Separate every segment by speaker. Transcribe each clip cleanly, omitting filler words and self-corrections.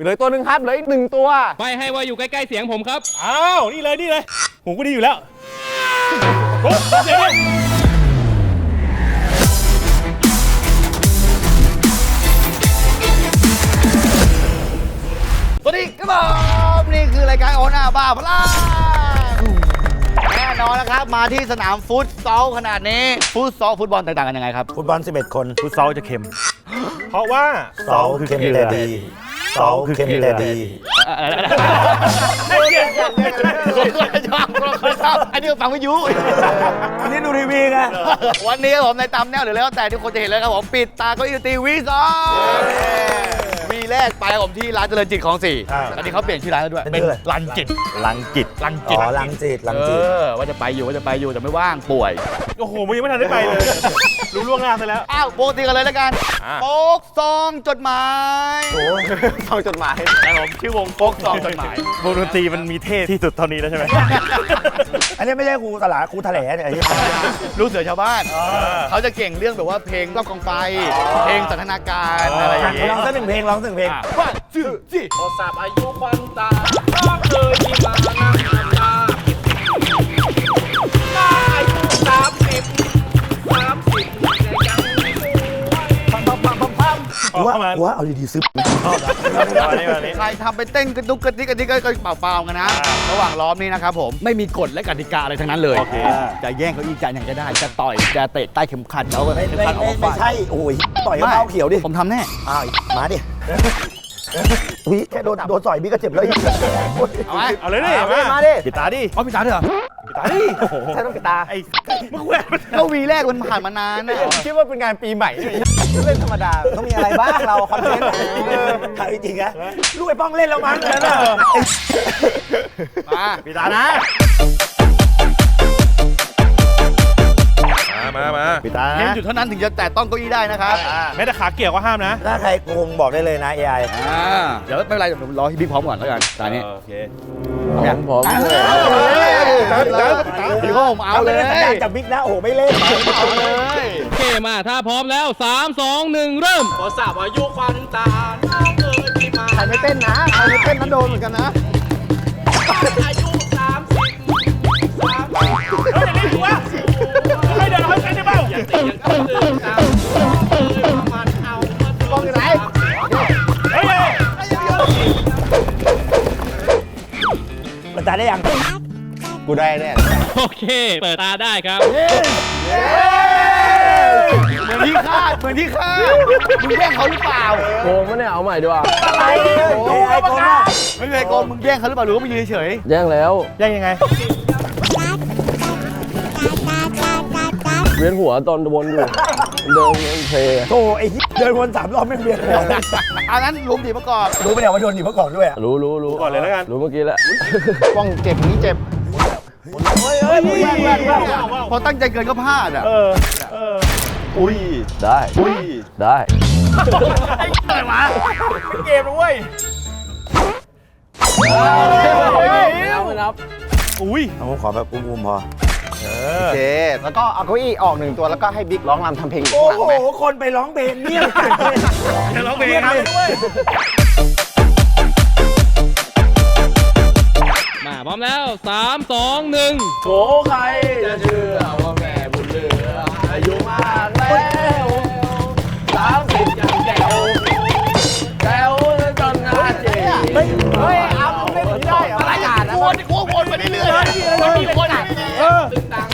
Speaker 1: เหลือตัวหนึ่งครับเหลืออีก1ตัว
Speaker 2: ไปให้ว่าอยู่ใกล้ๆเสียงผมครับ
Speaker 3: อ้าวนี่เลยหูก็ดีอยู่แล้วโอ้เสียง
Speaker 4: สวัสดีครับผมนี่คือรายการโอน่าบ้าพลังแน่นอนนะครับมาที่สนามฟุตซอลขนาดนี้ฟุตซอลฟุตบอลแตกต่างกันยังไงครับ
Speaker 5: ฟุตบอล11 คน
Speaker 3: ฟุตซอลจะเค็ม เพราะว่า
Speaker 5: เสาคือเค็มแต่ดีเสาคือเค็มแต่ดี
Speaker 4: อันนี้ฟังวิทยุ
Speaker 5: อันนี้ดูทีวีไง
Speaker 4: วันนี้ผมในตามแนวหรือแล้วแต่ทุกคนจะเห็นเลยครับผมปิดตาเก็อีตีวีสองวีแรกไปผมที่ร้านเจริญจิตของ4ตอนนี้เขาเปลี่ยนชื่อร้านแล้วด้วยเป็นรันจิต
Speaker 5: ลังจิต
Speaker 4: รันจิต
Speaker 5: อ๋อลังจิตลังจิต
Speaker 4: ว่าจะไปอยู่แต่ไม่ว่างป่วย
Speaker 3: โอ้โหมึงยังไม่ทันได้ไปเลย รู้ล่วงหน้าซะแล้ว
Speaker 4: อ้าวโปรตีกันเลยแล้วกันโป๊กซองจดหมาย
Speaker 1: ซองจดหมาย
Speaker 4: แต่ผมชื่อวงโป๊กซองจดหมาย
Speaker 3: วงดนตรีมันมีเท่ที่สุดเท่านี้แล้วใช่ไหม
Speaker 5: อันนี้ไม่ใช่ครูตลาดครูแถลงเนี่ยไอ้ที่
Speaker 4: ลูกเสือชาวบ้านเขาจะเก่งเรื่องแบบว่าเพลงรอบกองไฟเพลงสันทนาการอะไรอย่าง
Speaker 5: ร้
Speaker 4: เงี้ย
Speaker 5: องสักหนึ่งเพลงร้องสักหนึ่งเพลง
Speaker 4: ว่าชื่อสิ
Speaker 2: พอทราบอายุควันตาก็เคยที่มานั่งตาอายุ30แต่ยังไม่ป่วย
Speaker 5: กูว่าเอาดีๆซึบ
Speaker 4: ใครทำไปเต้นกระดุกกระดิกกระดิกก็เปล่าๆกันนะ ระหว่างล้อมนี้นะครับผมไม่มีกฎและกติกาอะไรทั้งนั้นเลย
Speaker 3: โอเค
Speaker 4: จะแย่งเก้าอี้จะอย่างก็ได้จะต่อยจะเตะใต้เข็มขัดเอาเข็มขัดออก
Speaker 5: ไม่
Speaker 4: มา
Speaker 5: ใช่โอ้ยต่อยกับเท้าเขียวดิ
Speaker 4: ผมทำแน่
Speaker 5: อ้าวมาดิวิแค่โดนต่อยพี่ก็เจ็บแล้ว
Speaker 4: เอาไหม
Speaker 3: เอาเลยดิ
Speaker 5: มาดิ
Speaker 3: ปิดตาดิ
Speaker 4: เอาพี่ตาเถอะ
Speaker 3: ปิดตาดิ
Speaker 5: ใช่ต้องปิดตา
Speaker 3: ไอ้มึงแหวน
Speaker 4: ก็วีแรกมันผ่านมานานนะ
Speaker 1: คิดว่าเป็นงานปีใหม่เล่นธรรมดาต้องมีอะไรบ้างเราคอนเทนต์
Speaker 5: ถามจริงๆนะลูกไอ้ป้องเล่นแล้วมั้งนะ
Speaker 4: มา
Speaker 3: ปิดตานะมาปิดตา
Speaker 4: เพียง
Speaker 3: นะ
Speaker 4: จุดเท่านั้นถึงจะแตะต้องเก้าอี้ได้นะครับ
Speaker 3: แม้แต่ขาเกี่ยวก็ห้ามนะ
Speaker 5: ถ้าใครโกงบอกได้เลยนะ AI
Speaker 4: เดี๋ยวไม่เป็นไรเดี๋ยวผมรอให้บิ๊กพร้อมก่อนแล้วกันตอนนี้
Speaker 3: โอเค
Speaker 1: ผม
Speaker 4: พี่ก็ผมเอาเลย
Speaker 5: สัญญาณจากบิ๊กนะโอ้โหไม่เล่น
Speaker 4: เอาเลย
Speaker 2: โอเคมาถ้าพร้อมแล้ว 3 2 1 เริ่มพอทราบอายุควันตาก็เคยที่มา
Speaker 1: ใครไม่เต้นนะใครไม่เต้นนั้นโดนเหมือนกันนะ
Speaker 2: อายุ30
Speaker 3: เฮ้ยอย่างนี้ถูกปะให้เดินเขาใช้ได้เปล่า
Speaker 2: ยังตียังต้องตื่นตามมันเอามา
Speaker 1: กล้องอยู่ไหน
Speaker 3: เฮ้ย
Speaker 5: มันตายได้ยัง
Speaker 1: กูได้แน่
Speaker 2: โอเค เปิดตาได้ครับ
Speaker 4: เหมือนที่คาดมึงแย่งเขาหรือเปล่า
Speaker 1: โกงมั้ยเนี่ยเอาใหม่ดีกว่า
Speaker 5: อะไร AI โกงอะ
Speaker 4: ไม่เคยโกงมึงแย่งเขาหรือเปล่าหรือว่ามึงยืนเฉย
Speaker 1: แย่งแล้ว
Speaker 3: ยังยังไง
Speaker 1: เวียนหัวตอนวนอยู่เดินเล่นเพลง
Speaker 5: โธ่ไอ้เดินวน3 รอบไม่เวียนหัว
Speaker 4: อันนั้นลุมดีประกอบ
Speaker 5: รู้ไหมเนี่ยว่าโดนหนีเมื่อก่อนด้วยอะ
Speaker 1: รู้
Speaker 3: ก่อนเลยแล้วกัน
Speaker 1: รู้เมื่อกี้แหละ
Speaker 4: ป้องเจ็บนี้เจ็บ
Speaker 5: เฮ้ย
Speaker 4: พอตั้งใจเกินก็พลาดอ่ะ
Speaker 1: อุ้ยได้ได้
Speaker 4: อะไรวะ
Speaker 3: เกมนะเว้ย
Speaker 1: ไม่นับ
Speaker 3: อุ้ย
Speaker 5: เอาผมขอแบบอุ้มๆพอ
Speaker 1: โอเคแล้วก็เอาเก้าอี้ออก1ตัวแล้วก็ให้บิ๊กร้องรำทำเพลง
Speaker 5: โอ้
Speaker 1: ข้างหลัง
Speaker 5: โห
Speaker 1: ไหม
Speaker 5: คนไปร้องเพลงเนี่ย
Speaker 3: จะร้องเพลงครับ
Speaker 2: มาพร้อมแล้ว 3 2 1
Speaker 1: โอ้ใครจะเชื่อว่าแม่บุญเหลืออายุมากแล้ว30ยังแจ๋วจนหน้าเจ๋งเฮ้ยเอาเล่นไม่ได้เหรออะไรอ่ะ
Speaker 4: วนไปเรื่อยๆมันมีคนอ่ะ
Speaker 2: ตึงตัง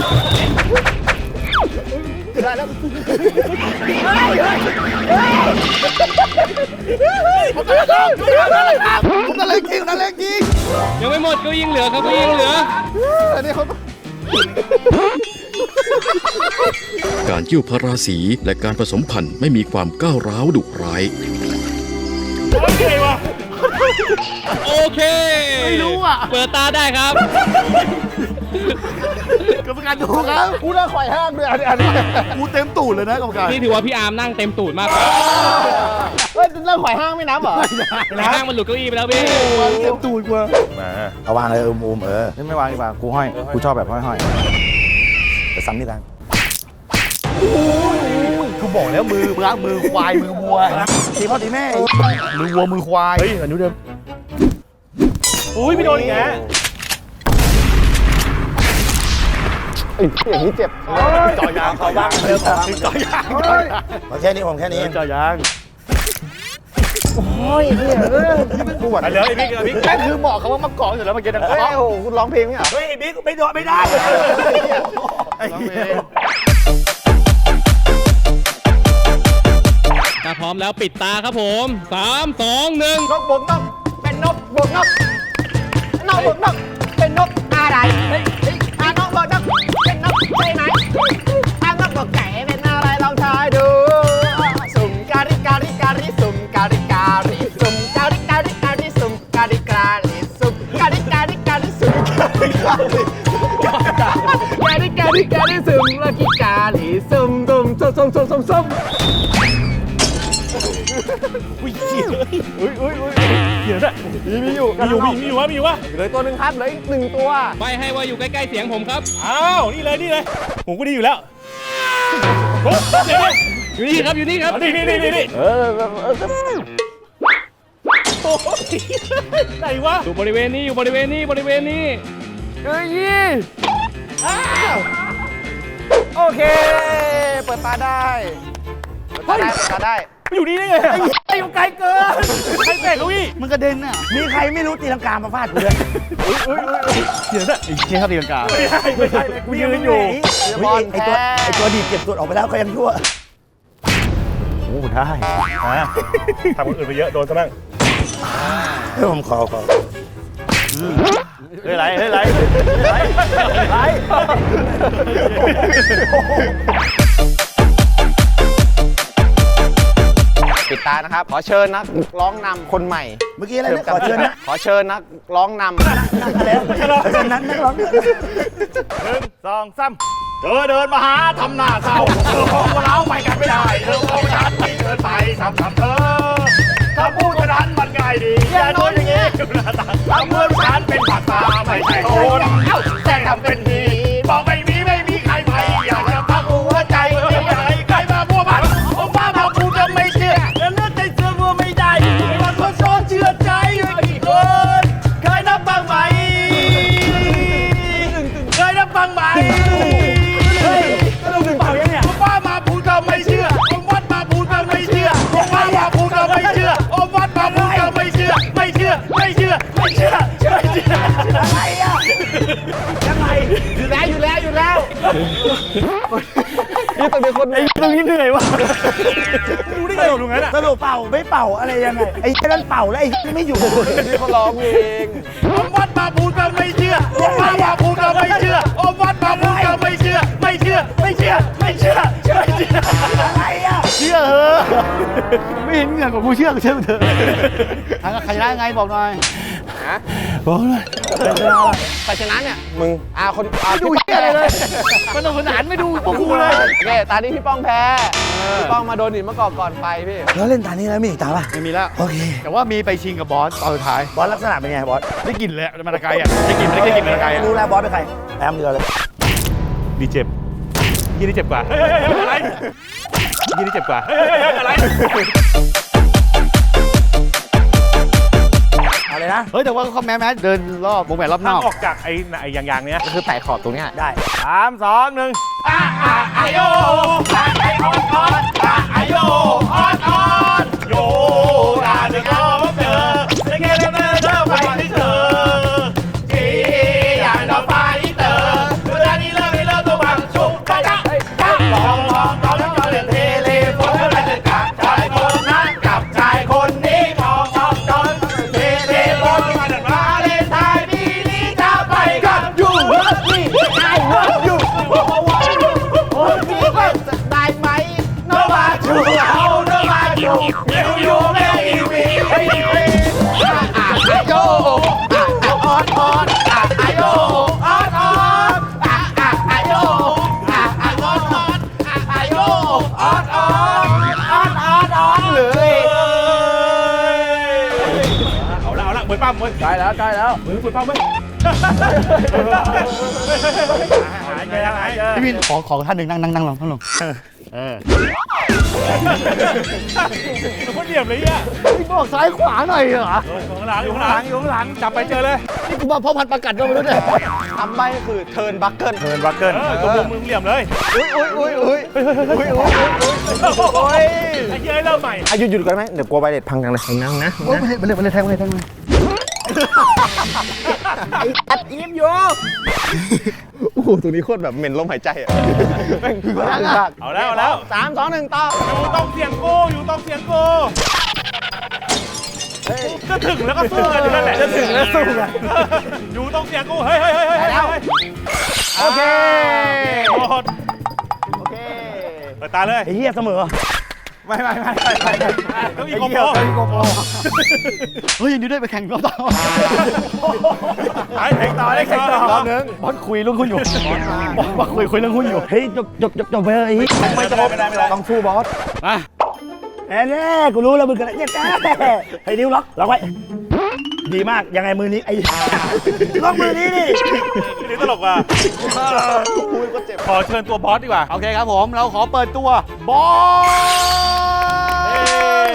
Speaker 4: ผมนั่นเล่นจริง
Speaker 2: ยังไม่หมดก็ยิงเหลือครับก็ยิงเหลือ
Speaker 4: อันนี้เขา
Speaker 6: การเกี่ยวพาราสีและการผสมพันธุ์ไม่มีความก้าวร้าวดุร้าย
Speaker 3: โอเควะ
Speaker 2: โอเค
Speaker 4: ไม่รู้อ่ะ
Speaker 2: เปิดตาได้ครับ
Speaker 4: กรรมการดูครับ
Speaker 1: กูน่าข่อยห้างด้วยอันนี้
Speaker 4: กูเต็มตูดเลยนะกรรมการ
Speaker 2: นี่ถือว่าพี่อาร์มนั่งเต็มตูดมากกว่า
Speaker 1: เฮ้ยเรื่องข่อยห้างไม่นับเหรอ
Speaker 2: ในห้างมันหลุดเก้าอี้ไปแล้วพี่
Speaker 4: เต็มตูดกว่า
Speaker 3: มา
Speaker 5: เอาวางเลยอุ้มไม่วางดีกว่ากูห้อยกูชอบแบบห้อยๆแต่ซ้ำนี่กันกูบอก
Speaker 4: บอกแล้วมือควายมือวัว
Speaker 5: ตีพ่อตีแม่
Speaker 4: มือวัวมือควาย
Speaker 3: เฮ้ยอันนู้นเดิมอุ้ยไม่โดนอีกแล้ว
Speaker 1: อย่างนี้เจ็บ
Speaker 4: จ่อยางเขาบ้างเริ่มจ่อยาง
Speaker 5: แค่นี้ผมแค่นี้
Speaker 4: จ่อยาง
Speaker 3: ปวดไปเลยไอ้บิ๊กไอ้บิ๊ก
Speaker 4: แม่คือเหมาะกับว่ามะกอกอยู่แล้วเมื่อกี้นะ
Speaker 1: เฮ้ยโอ้โหคุณร้องเพลงไหมอ่ะ
Speaker 5: เฮ้ยไอ้บิ๊กไม่โดนไม่ได้
Speaker 2: ถ้าพร้อมแล้วปิดตาครับผม3 2 1
Speaker 1: นกบวกนกเป็นนกบวกนกนกบวกนกเป็นนกอะไรนกบวกนกเป็นนกใช่ไหมนกบวกไก่เป็นอะไรลองทายดูสุ่มการิการิการิสุ่มการิการิสุ่มการิการิการิสุ่มการิการิสุ่มการิการิการิสุ่มการิการิการิสุ่มละกิการิสุ่มสุ่มสุ่มสุ่มสุ่มสุ่ม
Speaker 3: เดี๋ยวนะมีอยู่วะ
Speaker 1: เหลือตัวหนึ่งครับเหลืออีก1 ตัว
Speaker 2: ใบให้ว่าอยู่ใกล้ๆเสียงผมครับ
Speaker 3: อ้าวนี่เลยผมก็ดีอยู่แล้วเดี๋ยว
Speaker 2: อยู่นี่ครับอยู่นี่ครับ
Speaker 3: นี่โอ้ยไหนวะ
Speaker 2: อยู่บริเวณนี้อยู่บริเวณนี้บริเวณนี้
Speaker 1: เฮ้ยโอเค เปิดตาได้เปิดตาได้
Speaker 3: อยู่นี่ได้ไงไอ้อยู่ไกลเกินใครเตะเขาอีก
Speaker 4: มันกระเด็นอ่ะ
Speaker 5: มีใครไม่รู้ตีลังกามาฟาดกูเลย
Speaker 3: เดี๋ยวนะ
Speaker 4: ไอ้เชี่ยเขาตีลังกา
Speaker 3: ไม่ใช่เลยกูยืนอยู่
Speaker 5: ไอ้ตัวดีดเก็บตัวออกไปแล้วก็ยังชั่ว
Speaker 4: โอ้ได้
Speaker 3: ทำคนอื่นไปเยอะโดนซะบ้าง
Speaker 5: เฮ้ยผมขอ
Speaker 4: เฮ้ยไรเฮ้ยไรไร
Speaker 1: ปิดตานะครับ ขอเชิญนักร้องนำคนใหม่
Speaker 5: เมื่อกี้อะไรนะขอเชิญนะ
Speaker 1: ขอเชิญนักร้องนำ
Speaker 5: แล้วเชิญนั้นนักร้อง
Speaker 3: 1 2 3เดินมาหาทำหน้าเศร้าของเราไปกันไม่ได้เธอของฉันที่เดินไปทำเธอถ้าพูดเท่านั้นมันง่ายดีอย่าโดนอย่างนี้ทำเมื่อฉันเป็นปากตาไม่ใช่คนแต่ทำเป็นดีบอกไม่มีใครไปอยากจะพักหัวใจไม่อยากให้ใครมาพัวพันผมว่ามาพูดก็ไม่เชื่อแล้วเลือกใจเชื่อว่าไม่ได้มันก็ชอบเชื่อใจกี่คนเคยนับบ้างไหมเคยนับบ้างไหมผมว่ามาพูดก็ไม่เชื่อผมวัดมาพูดก็ไม่เชื่อผมว่ามาพูดก็ไม่เชื่อผมวัดมาพูดก็ไม่เชื่ออะไรอ่ะยังไง
Speaker 1: อยู่แล้วนี่ต้องเป็นคน
Speaker 3: ตรงนี้เหนื่อยวะรู้ได้ไงตรงนั้นอ่ะ
Speaker 5: สรุปเป่าไม่เป่าอะไรยังไงไอ้นั่นเป่าแล้วไอ้ไม่อยู่
Speaker 1: นี่เขาร้องเอง
Speaker 3: ผมวัดมาพูดก็ไม่เชื่อผมว่ามาพูดก็ไม่เชื่อผมวัดมาพูดก็ไม่เชื่ออะไรอ่ะ
Speaker 4: เชื่อเหอะไม่เห็นเหงื่อของกูเชื่อกูเชื่อมึงเถอะใครชนะไงบอกหน่อย
Speaker 5: บอกเลย
Speaker 1: ไปชนะเนี่ยมึงคน
Speaker 4: ไม่ดูเชื่ออะไรเลยมันสนุกสนานไม่ดูพวกกูเลย
Speaker 1: โอเคตานี้พี่ป้องแพ้พี่ป้องมาโดนหินมะกอกก่อนไปพี่
Speaker 5: แล้วเล่นตานี้แล้วมีอีกตาป่ะ
Speaker 4: ไม่มีแล้ว
Speaker 5: โอเค
Speaker 4: แต่ว่ามีไปชิงกับบอสตอนสุดท้าย
Speaker 5: บอสลักษณะเป็นไงบอส
Speaker 4: ได้กลิ่นเลยมันตะไคร้อ่ะได้กลิ่นไม่ได้กลิ่นมันตะไคร้อ่ะ
Speaker 5: รู้แล้วบอสเป็นใครแอมเดียวเลย
Speaker 3: ดีเจ็บยี่นี่เจ็บกว่าอะไรยี่นี่เจ็บกว่าอะไร
Speaker 5: เอาเลยนะ
Speaker 4: เฮ้ยแต่ว่าเขาแม้เดินรอบวงแหวนรอบน
Speaker 3: ทาง
Speaker 4: อก
Speaker 3: ออกจากไอ้ยางเนี้ย
Speaker 1: ก็คือแตะขอบตรงเนี้ย
Speaker 5: ได้
Speaker 3: 3 2 1ไอโยไอออนไอโยออนโยดาเด็กก็เจอเด็กเธอไปที่เธอที่อย่างดอกไฟเตอร์เวลานี้เลิกตัวบังชุบกะลองเล่นเทเลโฟนแล้วจะกัดชายคนนั้นกับชายคนนี้มองเทเลโฟนมาเลนไทยปีนี้จะไปกับยูนี่ไอเลิฟยู
Speaker 1: ได้ไหม
Speaker 3: No matter how, no matter if you make me,
Speaker 1: โยออนโยเลย
Speaker 3: เอาละเหมือนปั้มเว้ย
Speaker 1: ใกล้แล้ว
Speaker 3: เหมือนปั้มเว้ยหาย
Speaker 4: พี่วินขอท่านหนึ่งนั่งลง
Speaker 3: คนเหลี่ยมเลยเนี่ย
Speaker 4: บอกซ้ายขวาหน่อยเหรอ
Speaker 3: อยู่ข้างหลังอยู่ข้างหลังอยู่ข้างหลังจับไปเจอเลย
Speaker 4: นี่กูมาพ่อพันธุ์ประกัดก็ไม่รู้เนี่ย
Speaker 1: คำใบ้ก็คือเทิร์นบัคเกิล
Speaker 3: เทิร์นบัคเกิลตัวมุมมึงเหลี่ยมเลย
Speaker 1: อุ้ยไ
Speaker 3: ไอ้เหี้ยเริ่มใหม่
Speaker 1: อายุหยุดก่อนไหมเดี๋ยวกลัวใบเด็ดพังจังเลยนั่งนะ
Speaker 4: โอ้ยมันเลยแทงเลย
Speaker 1: อัดยิ้มอยู่โอ้โหตรงนี้โคตรแบบเหม็นลมหายใจอ่ะแม่งคือว่า
Speaker 3: เอาแล้ว
Speaker 1: 3 2 1ต่อ
Speaker 3: อยู่ตรงเสียงกูอยู่ตรงเสียงกูจะถึงแล้วก็สู้กันอยู่นั่นแหละ
Speaker 1: จะถึงแล้วสู้กัน
Speaker 3: อยู่ตรงเสียงกูเฮ้ย
Speaker 1: โอเค
Speaker 3: หมด
Speaker 1: โอเค
Speaker 3: เปิดตาเลย
Speaker 5: ไอ้เหี้ยเสมอ
Speaker 1: ไม่
Speaker 3: ต้องอีกโกโปร
Speaker 4: เฮ้ยยินดีด้วยไปแข่งรอบต่อ
Speaker 3: ไปแข่งต่อได้แข่งต่อ
Speaker 1: รอบนึง
Speaker 5: บอสคุยเรื่องหุ้นอยู่บอสคุยเรื่องหุ้นอยู่ เฮ้ยจบไปเลย
Speaker 3: ไม่จบไม่ได้
Speaker 1: ต้องสู้บอส
Speaker 5: แน่กูรู้แล้วมึงกันเนี่ยไอ้นิ้วล็อกไว้ ดีมาก ยังไงมือนี้ไอ้ล็อกมือนี้ดิ
Speaker 3: นี่ตลกว่ะขอเชิญตัวบอสดีกว่า
Speaker 4: โอเคครับผมเราขอเปิดตัวบอส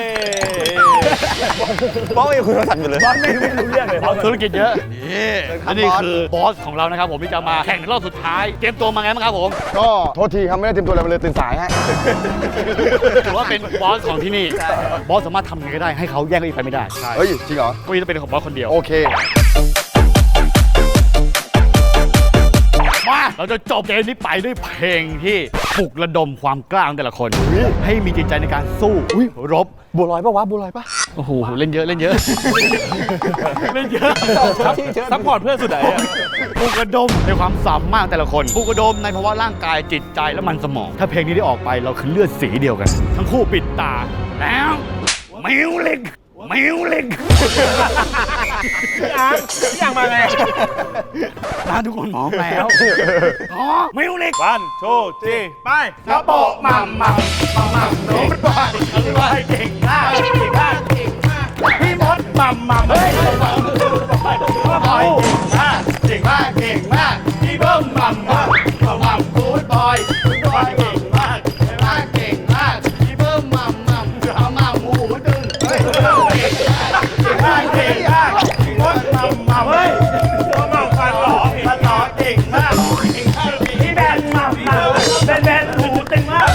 Speaker 1: บอสยังคุยโทรศัพท์อยู่เลย
Speaker 5: บอสไม่รู้เรื่องเลย
Speaker 4: ธุรกิจเยอะนี่อันนี้คือบอสของเรานะครับผมที่จะมาแข่งรอบสุดท้ายเตรียมตัวมาไงบ้างครับผม
Speaker 1: ก็โทษทีครับไม่ได้เตรียมตัวอะไรมาเลยตื่นสายฮะ
Speaker 4: ถือว่าเป็นบอสของที่นี่บอสสามารถทำยังไงก็ได้ให้เขาแย่งเก้าอี้ไปไม่ได้
Speaker 1: เฮ้ยจริงเหรอ
Speaker 4: เก้าอี้ต้องเป็นของบอสคนเดียว
Speaker 1: โอเค
Speaker 4: มาเราจะจบเกมนี้ไปด้วยเพลงที่ปลุกระดมความกล้าของแต่ละคน ให้มีจิตใจในการสู้รบ
Speaker 1: บัวลอยปะวะบัวลอยปะ
Speaker 4: โอ้โหเล่นเยอะเล่นเยอะเล่นเยอะ
Speaker 3: ซัพพอร์ตเพื่อนสุดไหนอ่ะ
Speaker 4: ปลุกระดมในความสามารถแต่ละคนปลุกระดมในภาวะร่างกายจิตใจและมันสมอง ถ้าเพลงนี้ได้ออกไปเราคือเลือดสีเดียวกัน ทั้งคู่ปิดตาแล้วมิวลิก
Speaker 3: พี่อ่างมาไง
Speaker 4: ร้านทุกคนพร้อมแล้วอ๋อมิวลิก
Speaker 3: วันโชว์จีไป
Speaker 1: กระโปะมัมโน้ตบอยเก่งมากพี่มดมัมเฮ้ยบอยเก่งมากพี่เบิ้มมัมกูดบอยเก่งมากพี่เบิ้มมัมหมูดึงเฮ้ยเก่งมากพี่มดมัมเฮ้ย
Speaker 3: ตัวเมาฟันหล่อ
Speaker 1: มันหล่อเก่งมากพี่แบนมัมแบนหูเต็งมาก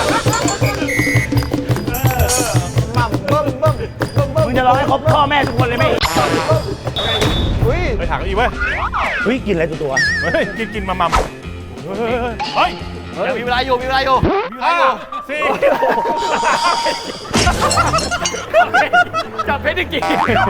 Speaker 1: มัมเบิ้ม
Speaker 5: มึงจะร้องให้ครบพ่อแม่ทุกคนเลยไหม
Speaker 1: อุ้ย
Speaker 3: ไปถามอีกเว้ย
Speaker 5: เฮ้ยกินอะไรตัว
Speaker 3: เฮ้ยกินมามัมเฮ้ย
Speaker 4: ยังมีเวลาอยู่มีเวลาอยู่
Speaker 3: 5 4
Speaker 4: จับเพชรได้กี่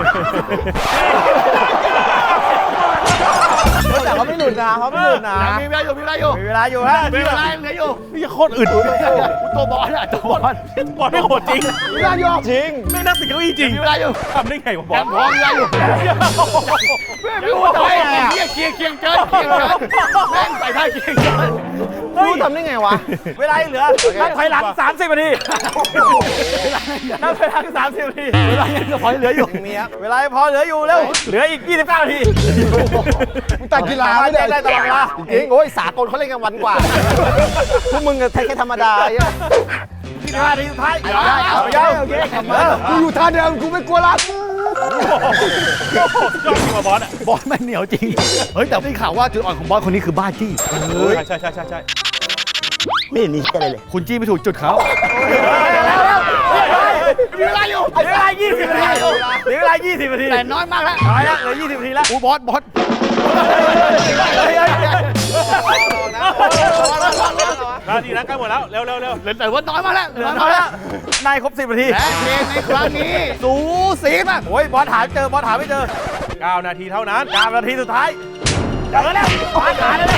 Speaker 1: แต่เขาไม่หลุดนะเขาไม่หลุดนะ
Speaker 4: ยังมีเวลาอยู่มีเวลาอยู่
Speaker 1: มีเวลาอยู่ฮะ
Speaker 4: มีเวลาเหลืออยู่
Speaker 3: นี่โคตรอึด
Speaker 4: ตัวบอสอะตัวบอส
Speaker 3: บอลไม่โหดจริง
Speaker 1: มีเวลาอยู่จริง
Speaker 3: ไม่นั่งติดเก้าอี้จริง
Speaker 4: มีเวลาอยู่
Speaker 3: ทำได้ไงวะบอ
Speaker 4: ยั
Speaker 3: ล
Speaker 4: งพร้อมมีเวลาอยู่
Speaker 1: พี่พูดทำได้ไง
Speaker 4: เคียงเคียงเกินแม่งใส่ท่าเคียงเกิน
Speaker 1: พูดทำได้ไงวะ
Speaker 3: เวลาเหลือนับถอยหลัง30 นาทีนับถอยหลัง30 นาที
Speaker 4: เวลายังพอเหลืออยู่
Speaker 1: มีครับเวลาพอเหลืออยู่แล้ว
Speaker 3: เหลืออีก 29 นาที
Speaker 1: มึงตัดกีฬาไม่ได้ตลอดเวลาจริงโอ้ยสากลเขาเล่นกันวันกว่าพวกมึงก็แค่ธรรมดาไอ้
Speaker 3: 25 นาทีสุดท้าย
Speaker 1: โอเคกูอยู่ท่าเดิมกูไม่กลัวละ
Speaker 3: ยอดจริงว่ะบอลอ่ะ
Speaker 4: บอสมันเหนียวจริงเฮ้ยแต่ได้ข่าวว่าจุดอ่อนของบอสคนนี้คือบ้าจี้
Speaker 3: ใช่
Speaker 5: ๆไม่เห็นมีอะไรเลย
Speaker 4: คุณจี้ไม่ถูกจุดเขา
Speaker 1: มีเวลาอยู่
Speaker 3: เหลือเวลา 20 นาทีเหลือเวลา 20 นาที
Speaker 4: แต่น้อยมากแล้ว
Speaker 3: น้อยแล้วเหลือ 20 นาทีแล้ว
Speaker 4: บอส
Speaker 3: นาทีนั้นใกล้หมดแล้วเร็ว
Speaker 4: เหลือแต่ว่าน้อยมากแล้ว
Speaker 3: เหลือน้อยแล้วนายครบ 10 นาที
Speaker 4: และเกมในครั้งนี้สูสีมาก
Speaker 3: โอ้ยบอลหาไม่เจอบอลหาไม่เจอ 9 นาทีเท่านั้น 9 นาทีสุดท้ายเจอแล้วบอลหาได้แล้ว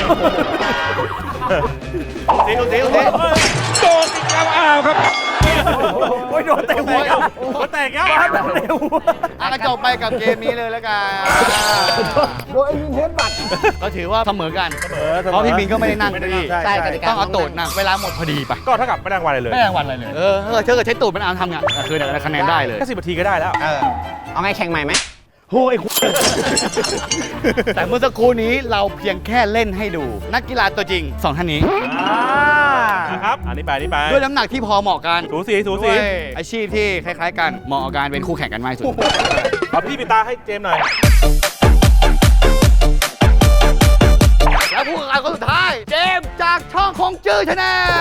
Speaker 4: สี
Speaker 3: โดนอีกแล้วครับโอ้ยโดนเตะหัวโดนแตกแล้วโดนเตะหัว
Speaker 4: ก็จบไปกับเกมนี้เลยแล้วกัน
Speaker 1: โดนไอ้ยิงเทปบัตร
Speaker 4: ก็ถือว่าเสมอกันเพราะพี่บินก็ไม่ได้นั่งดี
Speaker 1: ใช่กติกา
Speaker 4: ต้องเอาตูดนั่งเวลาหมดพอดีไป
Speaker 3: ก็เท่ากับไม่ได้รางวัลอะไรเลย
Speaker 4: ไม่ได้รางวัลอะไรเลยถ้าเกิดใช้ตูดมันเอาทำไงคือได้คะแนนได้เลย
Speaker 3: แค่10 นาทีก็ได้แล้ว
Speaker 1: เอาไงแข่งใหม่ไหม
Speaker 5: โอ้ย
Speaker 4: แต่เมื่อสักครู่นี้เราเพียงแค่เล่นให้ดู นักกีฬาตัวจริง 2 ท่านนี้
Speaker 3: นะครับอันนี้ไปนี่ไป
Speaker 4: ด้วยน้ำหนักที่พอเหมาะกัน
Speaker 3: สูสีสูสี
Speaker 4: ด้วยอาชีพที่คล้ายๆกันเหมาะกับการเป็นคู่แข่งกันมากที่สุด
Speaker 3: เอาพี่ปิดตาให้เจมส์หน่อย
Speaker 4: แล้วผู้แข่งขันคนสุดท้าย เจมส์จากช่องคงจื้อชาแน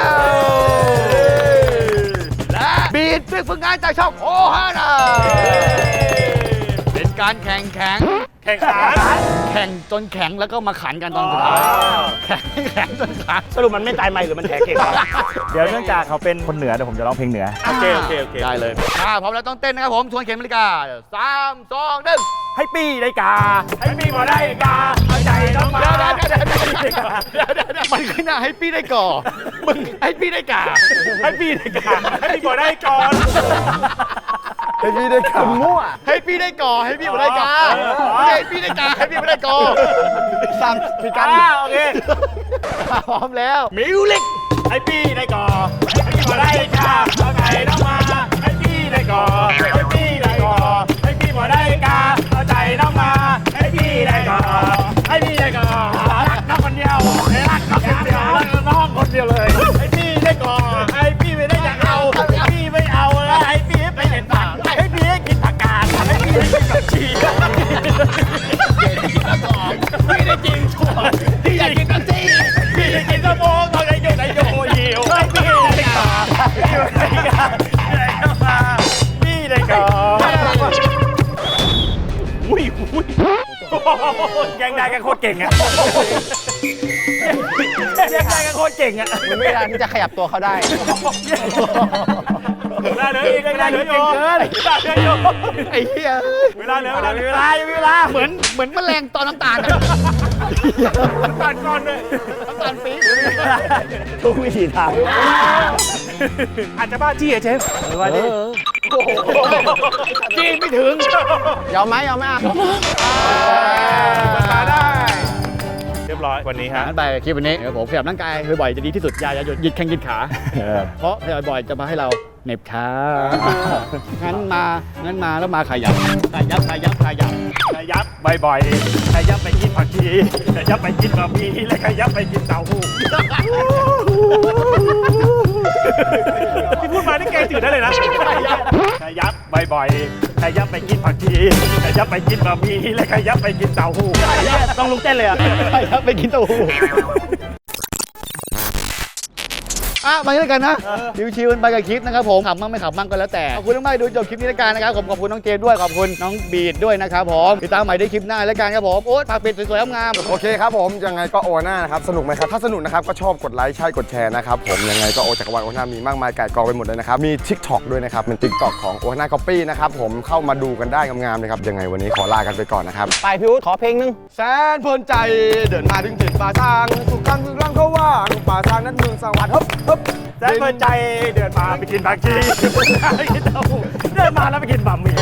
Speaker 4: ลและบีดซึ่งฝึกงานจากช่องโอฮาน่าเป็นการแข่งแข่ง
Speaker 3: แข่งขัน
Speaker 4: แข่งจนแข็งแล้วก็มาขันกันตอนสุดท้ายแข่งให้แข็งจนขาด
Speaker 5: สรุปมันไม่ตายใหม่หรือมันแท้เก่งวะเดี๋ยวเนื่องจากเขาเป็นคนเหนือเดี๋ยวผมจะร้องเพลงเหนือ
Speaker 3: โอเคโอเคโอเค
Speaker 4: ได้เลยพร้อมแล้วต้องเต้นนะครับผมชวนเข็มนาฬิกา3 2 1
Speaker 5: ให้ปี้ได้กา ให้ปี้มาได้กาเอาใจน้องมา
Speaker 4: มันขึ้นหน้าให้พี่ได้ก่อมึงให้พี่ได้กา
Speaker 3: ให้พี่ได้ก่อนให้พี่ก่อนได้ก่อน
Speaker 5: ให้ปี้ได้กามั่ว
Speaker 4: ให้พี่ได้ก่อให้พี่มาได้กาให้พี่ได้กาให้พี่มาได้ก่อสามพี่กัน
Speaker 3: โอเค
Speaker 4: พร้อมแล้วมิวลิก
Speaker 3: ให้พี่ได้ก่อนให้พี่ก่อนได้ก่อนเอาใจน้องมาให้พี่ได้ก่อนให้พี่ได้ก่อนให้พี่ก่อนได้ก่อนเอาใจน้องมาให้พี่ได้ก่อนให้พี่ได้ก่อนรักน้องคนเดียวรักน้องคนเดียวรักน้องคนเดียวเลยให้พี่ได้ก่อนให้พี่ไม่ได้อยากเอาให้พี่ไม่เอาแล้วให้พี่ไปเห็นผักให้พี่ให้กินผักกาดให้พี่ได้กินกับชี
Speaker 4: พี่ได้จริงชัวร์พี่อยากกินกันจี
Speaker 3: พี่ได้กินสมองตอนไหนโยนไหนโยหิวพี่ได้ก่อนพี่ได้ก่อนอุ้ยยังได้กันโคตรเก่งอ่ะยังได้กันโคตรเก่งอ่ะ
Speaker 1: มันไม่ได้ที่จะขยับตัวเขาได้
Speaker 3: เวลาเหลืออีกเวลาเหลืออยู่เวลาเหลืออยู่
Speaker 4: ไอ้เหี้ย
Speaker 3: เวลาเหลือเวลายังมีเวลา
Speaker 4: เหมือนแมลงตอนน้ำตาลอะ
Speaker 3: ตัดก่อนเลย
Speaker 4: น้ำตาลปี๊บ
Speaker 5: ทุกวิธีทาง
Speaker 3: อาจจะบ้าจี้อะเชฟ
Speaker 5: ว่าดิ
Speaker 4: จีนไม่ถึง
Speaker 1: ยอมไหมยอมไหมอ่ะ
Speaker 3: มาได้เรียบร้อยวันนี้ฮะ
Speaker 4: งั้นไปคลิปวันนี้เดี๋ยวผมขยับร่างกายบ่อยๆจะดีที่สุดอย่าหยุดหยิดแข้งหยิดขา เพราะขยับบ่อยจะมาให้เราเหน็บขางั้นมาแล้วมาขยับขยับ
Speaker 3: ขยับบ่อยๆขยับไปกินผักชีขยับไปกินบะหมี่และขยับไปกินเต้าหู้ที่พูดมานี่แกจืดได้เลยนะขยับบ่อยๆขยับไปกินผักชีขยับไปกินบะหมี่และขยับไปกินเต้าหู้
Speaker 5: ต้องลุกเต้นเลยอ่ะ
Speaker 4: ขยับไปกินเต้าหู้มาด้วยกันนะชิวๆกันไปกับคลิปนะครับผมขำมั่งไม่ขำมั่งก็แล้วแต่ขอบคุณมากๆดูจบคลิปนี้แล้วกันนะครับผมขอบคุณน้องเจมส์ด้วยขอบคุณน้องบีดด้วยนะครับผมติดตามใหม่ได้คลิปหน้าแล้วกันครับผมโอ๊ตฝากปิดสวยๆงามๆ
Speaker 7: โอเคครับผมยังไงก็โอน่านะครับสนุกไหมครับถ้าสนุกนะครับก็ชอบกดไลค์ใช่กดแชร์นะครับผมยังไงก็โอจักรวาลโอน่ามีมากมายไก่กองไปหมดเลยนะครับมี TikTok ด้วยนะครับเป็น TikTok ของโอน่า Copy นะครับผมเข้ามาดูกันได้งามๆเลยครับยังไงวันนี้ขอลากันไปก่อนนะครับ
Speaker 1: ไปพี่อุ๊ดขอเพลงนึง
Speaker 7: แสนเพลินใจเดินมาถึงถิ่นป่าทางถูกทางคือร่างเขาว่างป่าทางนั้นเมืองสวัสดิ์ฮึบ
Speaker 3: แสนเพลินใจเดินมาไปกินผักชีไปกินเต้าหู้เดินมาแล้วไปกินบะหมี่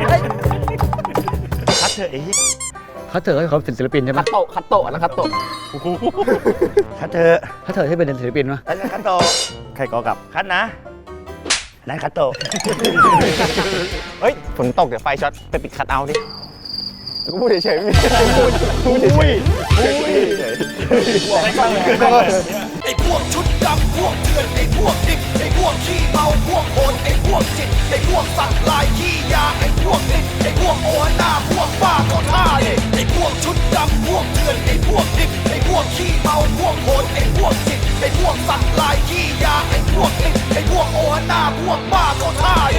Speaker 5: คัดเถอะไอ้เหี้ย
Speaker 4: เขาเถอะให้เขาเป็นศิลปินใช่ไหม
Speaker 1: คัตโตะนะคัตโตะ
Speaker 5: คัดเถอะ
Speaker 4: เขาเถอะให้เป็นศิลปินวะ
Speaker 5: อันนั้นคัดโตะใครกอกับคัดนะอันนั้นคัดโตะ
Speaker 1: เฮ้ยฝนตกเดี๋ยวไฟช็อตไปปิดคัทเอาท์ดิ
Speaker 7: ก็พูดเฉยๆไม่มีพูดเฉยๆ
Speaker 8: ไอ้พวกชุดดำพวกเถื่อนไอ้พวกดิบไอ้พวกขี้เมาพวกโหดไอ้พวกจิตไอ้พวกสัตว์ลายขี้ยาไอ้พวกนิดไอ้พวกโอหน้าพวกบ้าก็ท่าไอ้พวกชุดดำพวกเถื่อนไอ้พวกดิบไอ้พวกขี้เมาพวกโหดไอ้พวกจิตไอ้พวกสัตว์ลายขี้ยาไอ้พวกนิดไอ้พวกโอหน้าพวกบ้า